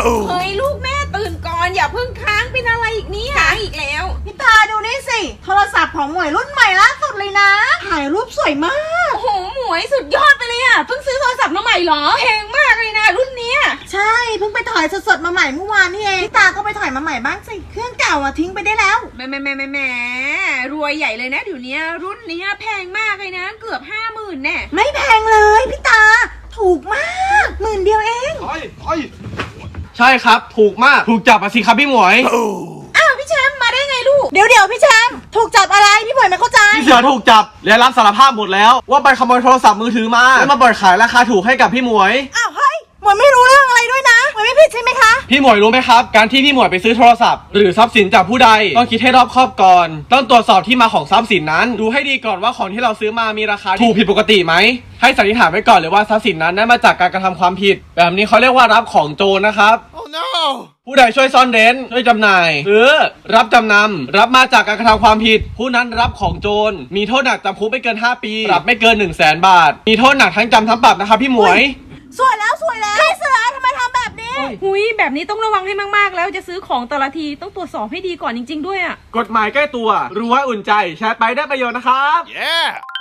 เฮ้ยลูกแม่ตื่นก่อนอย่าเพิ่งค้างเป็นอะไรอีกเนี่ยค้างอีกแล้วพี่ตาดูนี่สิโทรศัพท์ของหมวยรุ่นใหม่ล่าสุดเลยนะถ่ายรูปสวยมากโอ้โหหมวยสุดยอดไปเลยอ่ะเพิ่งซื้อโทรศัพท์มาใหม่เหรอแพงมากเลยนะรุ่นเนี้ยใช่เพิ่งไปถอยสดๆมาใหม่เมื่อวานนี่เองพี่ตาก็ไปถอยมาใหม่บ้างสิเครื่องเก่าอ่ะทิ้งไปได้แล้วแหมรวยใหญ่เลยนะเดี๋ยวนี้รุ่นนี้แพงมากเลยนะเกือบ50,000แน่ไม่แพงเลยพี่ตาถูกมาก10,000เดียวเองใช่ครับถูกมากถูกจับมาสิครับพี่หมวยอ้าวพี่แชมป์มาได้ไงลูกเดี๋ยวพี่แชมป์ถูกจับอะไรพี่หมวยไม่เข้าใจพี่เสือถูกจับและรับสารภาพหมดแล้วว่าไปขโมยโทรศัพท์มือถือมาแล้วมาเปิดขายราคาถูกให้กับพี่หมวยอ้าวเฮ้ยหมวยไม่รู้เรื่องอะไรด้วยนะหมวยไม่ผิดใช่ไหมคะพี่หมวยรู้ไหมครับการที่พี่หมวยไปซื้อโทรศัพท์หรือทรัพย์สินจากผู้ใดต้องคิดให้รอบคอบก่อนต้องตรวจสอบที่มาของทรัพย์สินนั้นดูให้ดีก่อนว่าของที่เราซื้อมามีราคาถูกผิดปกติไหมให้สันนิษฐานไว้ก่อนเลยว่าทรัพย์สินนั้นได้มาจากการกระทำความผิดแบบนี้เขาเรียกว่ารับของโจรนะครับ Oh no ผู้ใดช่วยซ่อนเร้นช่วยจำหน่ายหรือรับจำนำรับมาจากการกระทำความผิดผู้นั้นรับของโจรมีโทษหนักจำคุกไม่เกิน5 ปีปรับไม่เกิน100,000 บาทมีโทษหนักทั้งจำทั้งปรับนะครับพี่หมวยสวยแล้วพี่เสือทำไมทำแบบนี้หุยแบบนี้ต้องระวังให้มากๆแล้วจะซื้อของแต่ละทีต้องตรวจสอบให้ดีก่อนจริงๆด้วยอ่ะกฎหมายใกล้ตัวรู้ไว้อุ่นใจแชร์ไปได้ประโยชน์นะครับ Yeah